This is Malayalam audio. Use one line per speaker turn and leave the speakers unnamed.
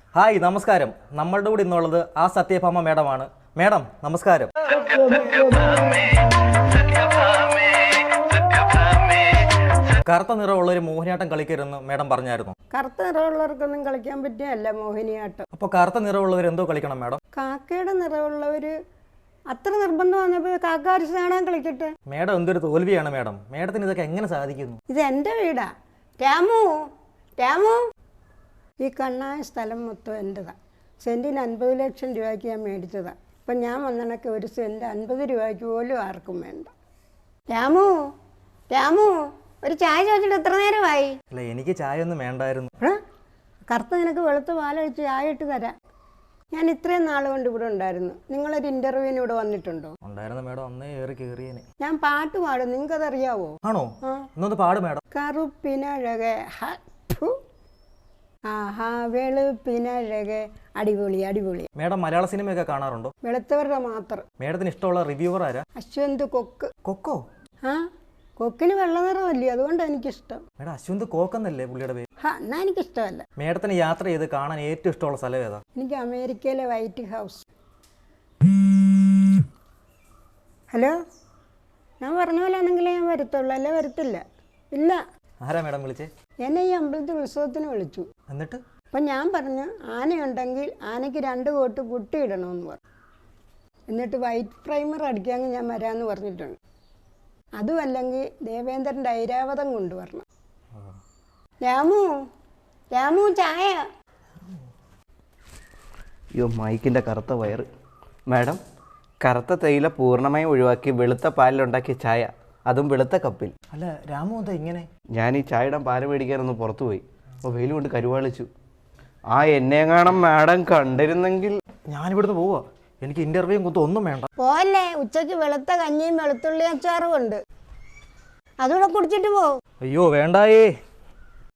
ഹായ് നമസ്കാരം. നമ്മളുടെ കൂടെ ഇന്നുള്ളത് ആ സത്യഭാമ മേഡമാണ്. മേഡം നമസ്കാരം. കറുത്ത നിറമുള്ള ഒരു മോഹിനിയാട്ടം കളിക്കരുതെന്ന് മേഡം പറഞ്ഞായിരുന്നു.
കറുത്ത നിറമുള്ളവർക്കൊന്നും കളിക്കാൻ പറ്റിയല്ല മോഹിനിയാട്ടം.
അപ്പോൾ കറുത്ത നിറമുള്ളവർ എന്തോ കളിക്കണം മേഡം?
കാക്കയുടെ നിറമുള്ളവര് അത്ര നിർബന്ധം വന്നപ്പോൾ കാക്കാരിച്ച് കാണാൻ കളിക്കട്ടെ.
മേഡം എന്തൊരു തോൽവിയാണ് മേഡം. മേഡത്തിന് ഇതൊക്കെ എങ്ങനെ സാധിക്കുന്നു?
ഇത് എൻ്റെ വീടാ. രാമു രാമു, ഈ കണ്ണായ സ്ഥലം മൊത്തം എൻ്റെതാണ്. സെൻറ്റിന് 50 ലക്ഷം രൂപയ്ക്ക് ഞാൻ മേടിച്ചതാണ്. ഇപ്പം ഞാൻ വന്നണക്ക് ഒരു സെൻറ്റ് 50 രൂപയ്ക്ക് പോലും ആർക്കും വേണ്ട. രാമു രാമു, ഒരു ചായ ചോദിച്ചിട്ട് എത്ര നേരമായി?
അല്ല, എനിക്ക് ചായ ഒന്നും വേണ്ടായിരുന്നു.
കറുത്ത നിനക്ക് വെളുത്ത പാലൊഴിച്ച് ചായ ഇട്ട് തരാം. ഞാൻ ഇത്രയും നാൾ കൊണ്ട് ഇവിടെ ഉണ്ടായിരുന്നു. നിങ്ങളൊരു ഇൻ്റർവ്യൂവിന് ഇവിടെ വന്നിട്ടുണ്ടോ?
ഉണ്ടായിരുന്നു മേഡം, അന്നേ ഏറി കയറിയേനെ.
ഞാൻ പാട്ട് പാടും, നിങ്ങൾക്കതറിയാവോ?
ആണോ? എന്നൊന്ന് പാട് മേഡം.
കറുപ്പിനഴകെ ആഹാ വെളുപ്പിനഴകെ, അടിപൊളി അടിപൊളി.
മേഡം മലയാള സിനിമയൊക്കെ കാണാറുണ്ടോ?
വെളുത്തവരുടെ മാത്രം.
മേഡത്തിന് ഇഷ്ടമുള്ള റിവ്യൂവർ ആരാ?
അശ്വന്ത് കൊക്ക്.
കൊക്കോ?
ആ, കൊക്കിന് വെള്ള നിറമല്ലേ, അതുകൊണ്ടാണ് എനിക്കിഷ്ടം.
മേഡം അശ്വന്ത് കോക്കെന്നല്ലേ പുള്ളിയുടെ പേര്?
എന്നാ എനിക്കിഷ്ടമല്ല.
മേഡത്തിന് യാത്ര ചെയ്ത് കാണാൻ ഏറ്റവും ഇഷ്ടമുള്ള സ്ഥലം ഏതാ?
എനിക്ക് അമേരിക്കയിലെ വൈറ്റ് ഹൗസ്. ഹലോ, ഞാൻ പറഞ്ഞ പോലെ ആണെങ്കിലേ ഞാൻ വരത്തുള്ളൂ, അല്ലേ വരത്തില്ല. ഇല്ല.
ആരാ മേഡം വിളിച്ചേ?
എന്നെ ഈ അമ്പലത്തിൽ ഉത്സവത്തിന് വിളിച്ചു.
എന്നിട്ട്?
അപ്പം ഞാൻ പറഞ്ഞു, ആനയുണ്ടെങ്കിൽ ആനയ്ക്ക് 2 കോട്ട് പുട്ടി ഇടണമെന്ന് പറഞ്ഞു. എന്നിട്ട് വൈറ്റ് പ്രൈമർ അടിക്കാമെങ്കിൽ ഞാൻ വരാമെന്ന് പറഞ്ഞിട്ടുണ്ട്. അതുമല്ലെങ്കിൽ ദേവേന്ദ്രൻ്റെ ഐരാവതം കൊണ്ടുവരണം. രാമു രാമു, ചായ.
അയ്യോ, മൈക്കിൻ്റെ കറുത്ത വയറ്. മാഡം, കറുത്ത തേയില പൂർണ്ണമായും ഒഴിവാക്കി വെളുത്ത പാലിലുണ്ടാക്കിയ ചായ, അതും വെളുത്ത കപ്പിൽ.
അല്ല രാമു, എന്താ ഇങ്ങനെ?
ഞാൻ ഈ ചായയുടെ പാല് മേടിക്കാനൊന്ന് പുറത്തു പോയി. അപ്പോൾ വെയിൽ കൊണ്ട് കരുവാളിച്ചു. എന്നെങ്ങാണം മാഡം കണ്ടിരുന്നെങ്കിൽ.
ഞാനിവിടുന്ന് പോവാ. എനിക്ക് ഇന്റർവ്യൂവും കുത്തും ഒന്നും വേണ്ട.
പോലെ ഉച്ചയ്ക്ക് വെളുത്ത കഞ്ഞിയും വെളുത്തുള്ളി അച്ചാറും ഉണ്ട്, അതുകൂടെ കുടിച്ചിട്ട് പോ.
അയ്യോ വേണ്ടായേ.